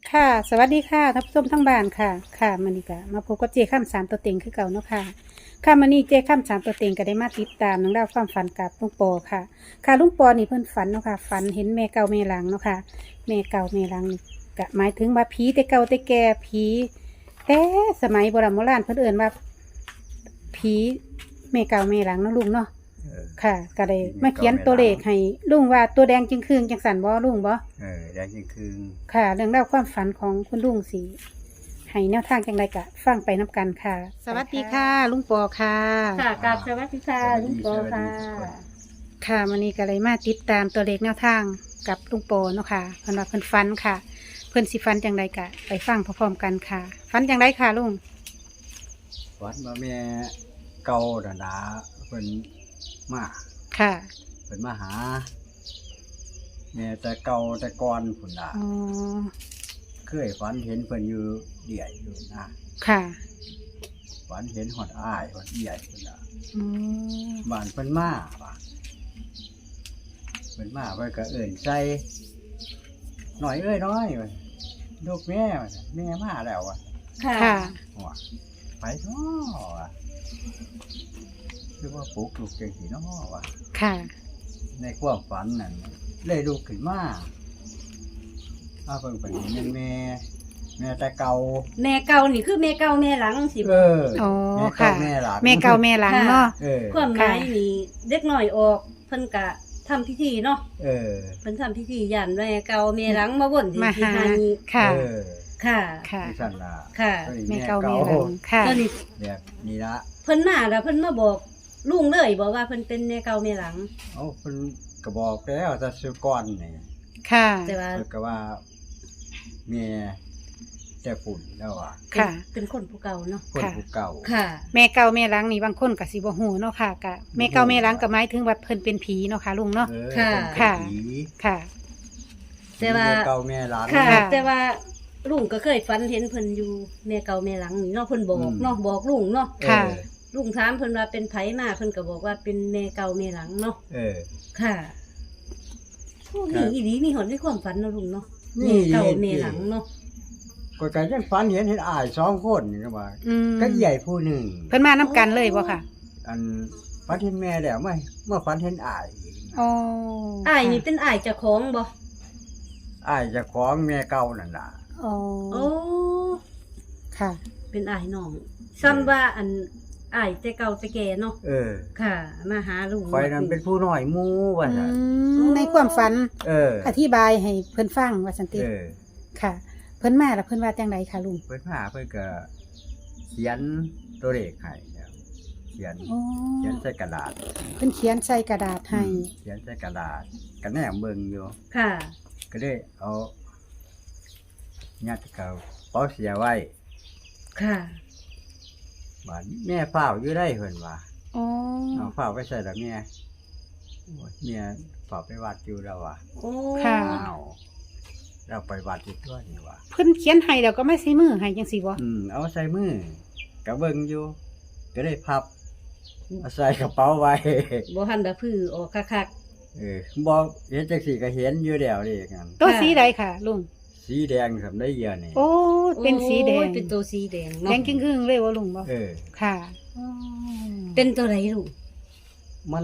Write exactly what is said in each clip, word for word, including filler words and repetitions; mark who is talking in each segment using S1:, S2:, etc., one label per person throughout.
S1: ค่ะสวัสดีค่ะท่านผู้ชมทั้งบ้านค่ะค่ะมันนี่ก็มาพบกับเจข้ามสามตัวเต็งคือเก่าเนาะค่ะค่ะมันนี่เจข้ามสามตัวเต็งก็ได้มาติดตามนังเล่องราวความฝันกับลุงปอค่ะค่ะลุงปอนี่เพิ่นฝันเนาะค่ะฝันเห็นแม่เก่าแม่หลังเนาะค่ะแม่เก่าแม่หลังนี่ก็หมายถึงว่าผีแต่เก่าแต่แก่ผีแต่สมัยโบราณโบราณเพิ่นเอิ่นว่าผีแม่เก่าแม่หลังเนาะลุงเนาะ
S2: เออ
S1: ค่ะก็ได้มาเขียนตัวเลขให้ลุงว่าตัวแดงจึงคืงจังสันบ่ลุงบ่
S2: เออแดงยิ่งคืน
S1: ค่ะเรื่องเล่าวความฝันของคุณลุงสีให้แนวทางจังไรกะฟังไปนับกันค่ะ สวัสดีค่ะ ลุงปอค่ะ
S3: ค่ะกราบสวัสดีค่ะลุงโปค่ะ
S1: ค่ะวันนี้ก็เลยมาติดตามตัวเลขแนวทางกับลุงปอเนาะค่ะเพิ่นว่าเพิ่นฝันค่ะ เพิ่นสิฝันจังไรกะไปฟังพร้อมๆกันค่ะฝันจังไรค่ะลุง
S2: วัดมาแม่เก่าดาดาเพิ่นมา
S1: ค่ะ
S2: เพิ่นมาหา แม่แต่เก่าแต่ก่อนพุ่นน่ะ
S1: อ๋อ
S2: เคยฝันเห็นเพิ่นอยู่เดี่ยอยู่นะ
S1: ค่ะ
S2: ฝันเห็นหอดอ้ายหอดเดี่ยพุ่นน่ะ
S1: อืม
S2: บ้านเพิ่นมาว่ะเพิ่นมาเพิ่นก็เอิ้นใส่หน่อยเอ้ยน้อยว่ะลูกแม่ว่ะแม่มาแล้วว่ะ
S3: ค่ะ
S1: ค่ะ
S2: หัวไปเนาะว่ะคือว่าปลุกลูกจังซี่เนาะว่ะ
S1: ค่ะ
S2: ในความฝันนั่นเลยลุกขึ้นมาเอาเพิ่งไปเห็นแม่แม่แต่เก่า
S3: แม่เก่านี่คือแม่เก่าแม่หลังสิ
S2: เออ
S1: อ๋อ
S2: แม่
S1: ค่ะ
S2: เก่าแม่หลัง
S1: แม่เก่าแม่หลังเนาะ
S2: เออ
S3: ความหมายนี่เด็กน้อยออกเพิ่นกะทำพิธีเนาะ
S2: เออ
S3: เพิ่นทำพิธีย่านแม่เก่าแม่หลังมาวนที่
S1: มา
S3: ที่
S1: หา
S3: ทางนี้
S1: ค่ะ
S2: เออ
S3: ค่ะ
S1: ค่ะ
S2: ที่สั่นล่ะ
S3: ค่ะ
S1: แม่เก่าแม่หลังค่ะ
S3: ตอนนี้
S2: แบบนี้ละ
S3: เพิ่นมาแล้วเพิ่นมาบอกลุงเลยบอกว่าเพิ่นเป็นแม่เก่าแม่หลัง
S2: เอาเพิ่นก็บอกแล้วแต่สุก่อนนี่
S1: ค่ะ
S3: แต่ว่า
S2: เพิ่นก็ว่าแม่แต่ฝุ่นแล้วอ่ะ
S1: ค่ะ
S3: เป็นคนผู้เก่าเนาะ
S2: คนผู้เก่า
S3: ค่ะ
S1: แม่เก่าแม่หลังนี่บางคนก็สิบ่ฮู้เนาะค่ะกะแม่เก่าแม่หลังก็หมายถึงว่าเพิ่นเป็นผีเนาะค่ะลุงเนาะ
S2: เออ
S3: ค่ะ
S2: เพิ่นเป็น
S1: ค่ะ
S2: ผี
S1: ค่ะ
S3: แต่ว่า
S2: แม่เก่าแม่หลัง
S3: ค่ะ
S1: ค่ะ
S3: แต่ว่าลุงก็เคยฝันเห็นเพิ่นอยู่แม่เก่าแม่หลังนี่เนาะเพิ่นบอก
S2: อืม
S3: เนาะบอกลุงเนาะ
S1: ค่ะ
S2: เออ
S3: ลุงถามเพิ่นว่าเป็นไผมาเพิ่นก็บอกว่าเป็นแม่เก่าแม่หลังเนาะ
S2: เออ
S3: ค่ะโอ้
S2: ครั
S3: มี
S2: บ
S3: อีหลีมีหอนในความฝันเนาะลุงเนาะ
S2: นี่
S3: แม่เก่าแม่หลังเนาะ
S2: ก็ก็ยังฝันเห็นเห็นอ้ายสองคนนี่ก็ว่า
S1: อืม
S2: ก็ใหญ่ผู้หนึ่ง
S1: เพิ่นมานํกันเลยบ่ค่ะ
S2: อันฝันเห็นแม่แล้วไม่เมื่อฝันเห็นอ้ายอีกนะ
S1: อ๋อ
S3: อ้ายนี่เป็นอ้ายเจ้าของบ่
S2: อ้ายเจะของแม่เก่านั่นล่ะ
S1: อ๋อ
S3: โอ้
S1: ค่ะ
S3: เป็นอ้ายน้องซ้ำว่าอันอ้ายแต่เก่าแต่แก่เนาะ
S2: เออ
S3: ค่ะ มาหาลุง
S2: คอยนั้นเป็นผู้น้อยหมูว่า
S1: อื
S2: ซั่น
S1: มในความฝัน
S2: เออ
S1: อธิบายให้เพิ่นฟังว่าซั่นติ
S2: เออ
S1: ค่ะ เพิ่นมาแล้วเพิ่นว่าจังไดคะลุง
S2: เพิ่นมาเพิ่นก็เขียนตัวเลขให้แล้วเขียน
S1: อ๋อ
S2: เขียนใส่กระดาษ
S1: เพิ่นเขียนใส่กระดาษให้
S2: เขียนใส่กระดาษก็แนมเบิ่งอยู่
S3: ค่ะ
S2: ก็ได้เอายัดกับเป๋าเสียไว้
S3: ค่ะ
S2: บาดแม่เฝ้าอยู่ได้เพิ่นว่า
S1: อ๋อ
S2: เอาเฝ้าไปใส่ละแม่โอ้ยแม่เฝ้าไปวัดอยู่แล้วว่ะ
S3: โอ้
S1: ค่ะ
S2: อ้าวเราไปวัดอีกตัวนี่ว่ะ
S1: เพิ่นเขียนให้แล้วก็ไม่ใส่มือให้จังซี่บ่
S2: อืมเอาใส่มือก็เบิ่งอยู่ ก็ได้พับเอาใส่กระเป๋าไว้
S3: บ่ทันได้พื้อออกคัก
S2: เออบ่เห็นจังซี่ก็เห็นอยู่แล้วนี่กัน
S1: ตัว
S3: ค่ะ
S1: สีใดค่ะลุง
S2: สีแดงครับได้เยอะนี่
S1: โอ้
S3: ๆ
S1: เป็นสีแดง
S3: โอ้ยเป็นตัวสีแดง
S1: แด
S3: เนาะ
S1: งครึ่งๆเลยว่าลุงบ่
S2: เออ
S1: ค่ะอ๋อ
S3: เป็นตัวไหนลุง
S2: มัน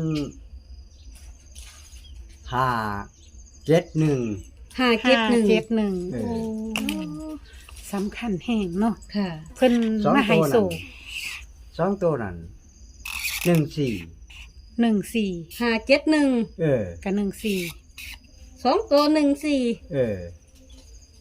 S2: ห้าเจ็ดหนึ่ง
S3: ห้าเจ็ดหนึ่ง
S1: ห้าเจ็ดหนึ่ง
S2: เออ
S1: โอ้สำคัญแห้งเนาะ
S3: ค่ะ
S1: เพิ่น
S2: สอง
S1: มาให้
S2: ตัว
S1: โศ
S2: นั่น
S1: ก
S2: สองตัวนั้นหนึ่งสี่
S1: หนึ่งสี่
S3: ห้าเจ็ดหนึ่ง
S2: เออ
S1: กับหนึ่งสี่
S3: สองตัวหนึ่งสี่
S2: เออ
S3: โอ้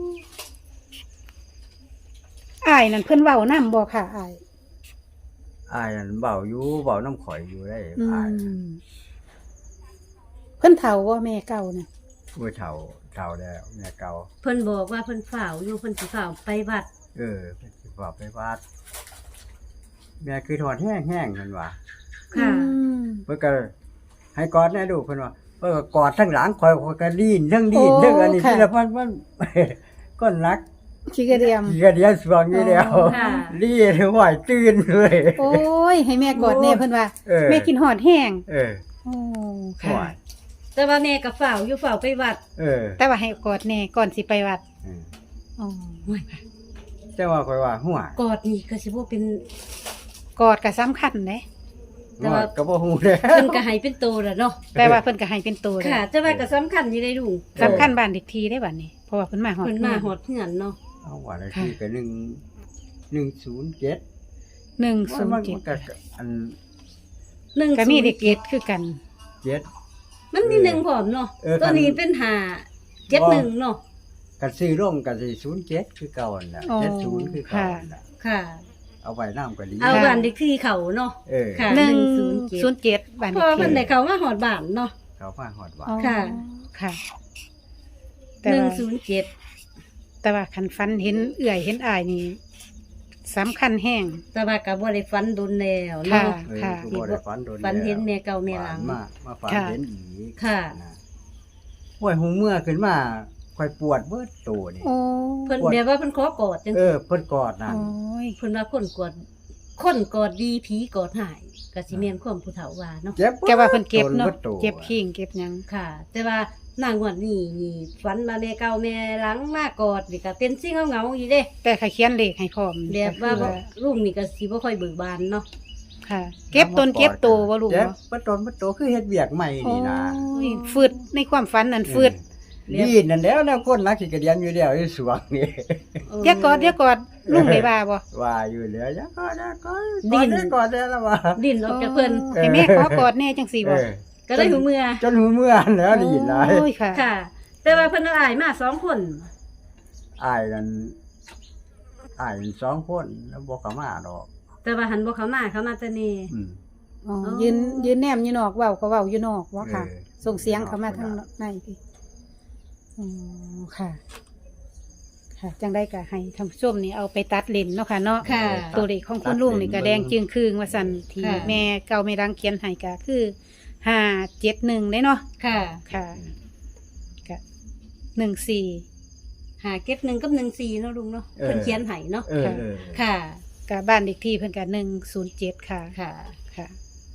S1: อายนั่นเพิ่นเว้านำบ่ค่ะอาย
S2: อายนั่นเบาอยู่เบาน้ำข่อยอยู่ได้
S1: อื
S2: อาย
S1: มเพิ่นเฒ่าบ่แม่เก่าน่ะ
S2: ผู้เฒ่าเฒ่าแล้วแม่เก่า
S3: เพิ่นบอกว่าเพิ่นฝ่าวอยู่เพิ่นสิฝ่าวไปวัด
S2: เออไปสิบอกไปวัดแม่คือถอดแห้งแห้งๆเพิ่นว่า
S3: ค่ะ
S1: อืม
S2: เพิ่นก็ให้กอดแน่ดูกเพิ่นว่าเพิ่นก็กอดทั้งหลังข่อยข่อยก็ดีนทั้งดีนทั้งอันนี้ที่ละมันมัน ก้นรัก
S1: ขี้กระเดียม
S2: ขี้กระเดียสวงอยู่แล้ว
S3: ค่ะ
S2: รีดไหวตื่นเลย
S1: โอ้ย ให้แม่กอดแน่เพิ่นว่า
S2: เออ
S1: แม่กินหอดแห้ง
S2: เออ
S1: โอ้
S2: ไหว
S1: ค่ะ
S3: แต่ว่าแม่ก็ฝ่าวอยู่ฝ่าวไปวัด
S2: เออ
S1: แต่ว่าให้กอดแน่ก่อนสิไปวัด
S2: เออ
S1: อ๋อ
S2: แต่ว่าข่อยว่าหัว
S3: กอดนี่ก็สิบ่เป็น
S1: กอดก็สำคัญเด้
S3: แต่ว่า
S2: ก็บ่ฮู้เด้อ
S3: เพิ่นก็ให้เป็นโตแล้วเนาะ
S1: แปลว่าเพิ่นก็ให้เป็นตัวเลย
S3: ค่ะ แต่ว่าก็สำคัญอยู่ได้ลุง
S1: สำคัญบ้านเด็กทีได้บัดนี้เพราะว่าเพิ่นมาฮอด
S3: เพิ่นมาฮอดเฮือนเนาะ
S2: เอาว่าได้ที่ก็หนึ่ง หนึ่งศูนย์เจ็ด
S1: หนึ่ง
S2: มั
S1: ศู
S2: น
S1: น
S2: มัน
S1: ย์เจ็ด
S2: ก็อัน
S3: หนึ่ง
S1: ก็มีเด็กเกตคือกัน
S2: เจ็ด
S3: มันมีหนึ่งพร้อมเนาะ
S2: เออ
S3: ตัวนี้เป็นห้าเจ็ดหนึ่งเนาะ
S2: กันซื้อร่มกันสิศูนย์เจ็ดคือเก่านั่นน่ะ
S1: อ๋อ
S2: เจ็ดศูนย์คือเก่านั่นน่ะ
S3: ค่ะ
S2: เอาไว้น้ำก็ดี
S3: เอาบ้านเด็กที่เขาเนาะ
S2: เออ
S3: ค่ะ
S1: หนึ่ง
S3: หนึ่งศู
S1: ศู
S3: น
S1: น
S3: ย์
S1: ย์
S3: เจ็ด
S1: เจ็ดบ้าน
S3: เพ
S1: เด็
S3: ราะ
S1: ก
S3: ว่า
S1: ที
S3: เพิ่นได้เขามาฮอดบ้านเนาะ
S2: เขาฟ้าหอดว่า
S1: อ๋อ
S3: ค่ะ
S1: ค่ะ แต่
S3: หนึ่ง
S1: ว่า
S3: ศูนย์เจ็ด
S1: แต่ว่าคันฟันเห็นเอื่อยเห็นอายนี่สำคัญแห้ง
S3: แต่ว่าก็บ่ได้ฝันโดนแล้ว
S1: ค่ะ
S3: เนาะ
S2: เออ
S1: ค่ะ
S2: คือบ่ได้ฝันโดน
S3: ฝันเห็น
S2: แล้ว
S3: แม่เก่าแม่หลัง
S2: ฝันมามาฝัน
S1: ค่ะ
S2: เห็นอีก
S3: ค่ะ
S2: นะห้วยหูเมื่อขึ้นมาค่อยปวดเบิดตัวนี่
S1: โอ้
S3: เพิ่นแบบว่าเพิ่นขอกอดจัง
S2: เออเพิ่นกอดนั่น
S1: โอ้ย
S3: เพิ่นว่าคนกอดคนกอดดีผีกอดหายก็สิแม่นความผู้เฒ่าว่าเนาะ
S2: เจ็บ
S1: แกว่าเพิ่นเก็บเนาะ
S2: บิดตัว
S1: เก็บขิงเก็บหยัง
S3: ค่ะ แต่ว่านางงวดนี้นี่ฝันมาแม่เก่าแม่หลังมากอดนี่ก็เป็นสิ่งเหงาๆอยู่เด้
S1: แต่ใครเขียนเลขให้พร้อม
S3: แบบว่า
S1: ก็
S3: บ่
S1: คือ
S3: ลูกนี่ก็สิบ่ค่อยเบิกบานเนาะ
S1: ค่ะ เก็บตนเก็บโตบ่ลูก
S2: เจ็บ
S1: เนาะ
S2: เบิดตนเบิดตัวคือเฮ็ดเวียกใหม่นี่นะ
S1: โอ้ยฟืดในความฝันนั่นฟืด
S2: ดีนั่นแล้วแนวคนรักสิกระเดียนอยู่แล้วอยู่สวงนี่
S1: เดี๋ยวกอดเดี๋ยวกอดลุงได้ว่าบ่
S2: ว่าอยู่แล้วอย่าก็อย่าก็
S3: ดิ้
S2: ดิ้
S3: น
S2: นก่อนได้แล้วว่า
S3: ดิ้นออกจากเพิ่น
S1: โอ้ให้แม่ขอกอดแน่จังซี่
S2: เอ
S1: บ่
S2: อ
S3: ก็ได้หูเมื่อ
S2: จนหูเมื่อนแล้วได้ยินหลาย
S1: โอ้ยค่ะ
S3: ค่ะ แต่ว่าเพิ่นเอาอายมาสองคน
S2: อ้ายนั่นอ้ายนั่นสองคนแล้วบ่เข้ามาดอก
S3: แต่ว่าหันบ่เข้ามาเข้ามาแต่นี่
S2: อืม
S1: อ๋อ
S3: อ๋อ
S1: ยืนยืนแนมอยู่นอกเว้าก็เว้าอยู่นอกว่าค่ะ
S2: เออ
S1: ส่งเสียงเข้ามาทางในพี่อ๋อค่ะ ค่ะ จังได้ก็ให้ท่านผู้ชมนี่เอาไปตัดเลนเนาะค่ะเนาะ
S3: ค่ะ
S1: ตัวเลขของคุณลุงนี่ก็แดงจึงคืงว่าสั่นที่
S3: ค่ะ
S1: แม่เก่าแม่รังเขียนให้ก็คือห้าเจ็ดหนึ่งได้เนาะ
S3: ค่ะ
S1: ค่ะก็หนึ่งสี่
S3: หาเก็บหนึ่งกับหนึ่งสี่เนาะลุงเนาะเพิ่นเขียนให้เนาะ
S2: เออเออ
S3: ค่ะ
S1: กับบ้านเด็กที่เพิ่นกับหนึ่งศูนย์เจ็ดค่ะ
S3: ค่ะ
S1: ค่ะ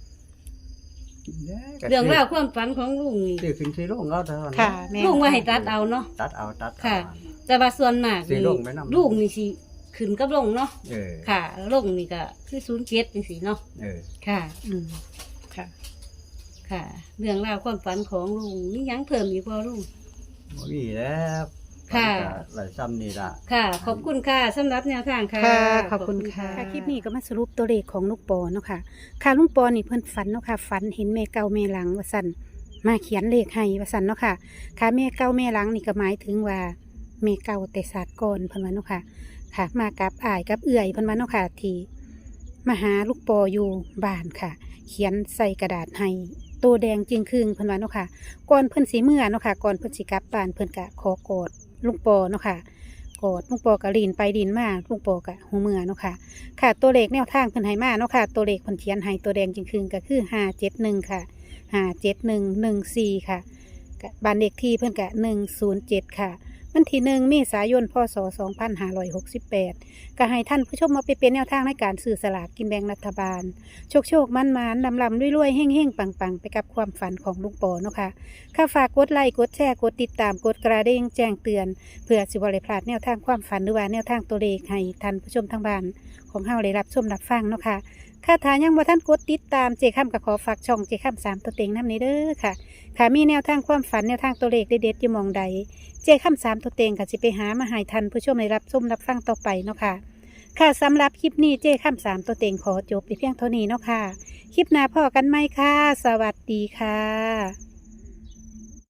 S3: เรื่องราวความฝันของลุงนี่
S2: ซื้อขึ้นซื้อลงเอาเท่านั้น
S1: ค่ะแม่
S3: ลุงว่าให้ตัดเอาเนาะ
S2: ตัดเอาตัดเอา
S3: ค่ะ แต่ว่าส่วนมาก
S2: สิ
S3: นี่
S2: ลงไปนำ
S3: ลูกนี่สิขึ้นกับลงเนาะ
S2: เออ
S3: ค่ะลงนี่ก็คือศูนย์เจ็ดจังซี่เนาะ
S2: เออ
S3: ค่ะ
S1: อืมค่ะ
S3: ค่ะ เรื่องราวความฝันของลุงมีหยังเพิ่มอีกบ่ลุง
S2: บ่มีแล้ว
S3: ค่ะ
S2: มันก็หลายซ้ำนี่ล่ะ
S3: ค่ะ ขอบคุณค่ะสำหรับแนวทางค่ะ
S1: ค่ะ ขอบคุณค่ะค่ะ คลิปนี้ก็มาสรุปตัวเลขของลูกปอเนาะค่ะ ค่ะลุงปอนี่เพิ่นฝันเนาะค่ะ ฝันเห็นแม่เก่าแม่หลังว่าสั่นมาเขียนเลขให้ว่าสั่นเนาะค่ะ ค่ะแม่เก่าแม่หลังนี่ก็หมายถึงว่าแม่เก่าแต่ศาสตร์ก่อนเพิ่นว่าเนาะค่ะ ค่ะ มากับอ้ายกับเอื่อยเพิ่นว่าเนาะค่ะที่มาหาลูกปออยู่บ้านค่ะ เขียนใส่กระดาษให้ตัวแดงจึงครึ่งเพิ่นว่าเนาะค่ะ ก่อนเพิ่นสิเมื่อเนาะค่ะ ก่อนเพิ่นสิกลับบ้านเพิ่นก็ขอกอดลุงปอเนาะค่ะ กอดลุงปอก็ลีนไปลีนมาลุงปอก็หูเมื่อเนาะค่ะ ค่ะ ตัวเลขแนวทางเพิ่นให้มาเนาะค่ะ ตัวเลขเพิ่นเขียนให้ตัวแดงจึงครึ่งก็คือห้าเจ็ดหนึ่งค่ะห้าเจ็ดหนึ่งหนึ่งสี่ค่ะก็บ้านเลขที่เพิ่นก็หนึ่งศูนย์เจ็ดค่ะวันที่หนึ่งเมษายนพศสองพันห้าร้อยหกสิบแปดก็ให้ท่านผู้ชมมาไปเป็นแนวทางในการซื้อสลากกินแบ่งรัฐบาล โชคโชคมันมันลำลำรวยๆเฮ่งเฮ่งปังปังไปกับความฝันของลุงปอเนาะค่ะข้าฝากกดไลค์กดแชร์กดติดตามกดกระดิ่งแจ้งเตือน เพื่อสิบริพลาดแนวทางความฝันหรือว่าแนวทางตัวเลขให้ท่านผู้ชมทางบ้านของเฮาได้รับชมรับฟังเนาะค่ะค่าทายังบ่ท่านกดติดตามเจค้ำกับขอฝากช่องเจค้ำสามตัวเต็งน้ำนี้เด้อค่ะค่ะมีแนวทางความฝันแนวทางตัวเลขเด็ดๆอยู่หมองใดเจค้ำสามตัวเต็งก็สิไปหามาให้ท่านผู้ชมได้รับชมรับฟังต่อไปเนาะค่ะค่ะสำหรับคลิปนี้เจค้ำสามตัวเต็งขอจบไปเพียงเท่านี้เนาะค่ะคลิปหน้าพอกันไหมค่ะสวัสดีค่ะ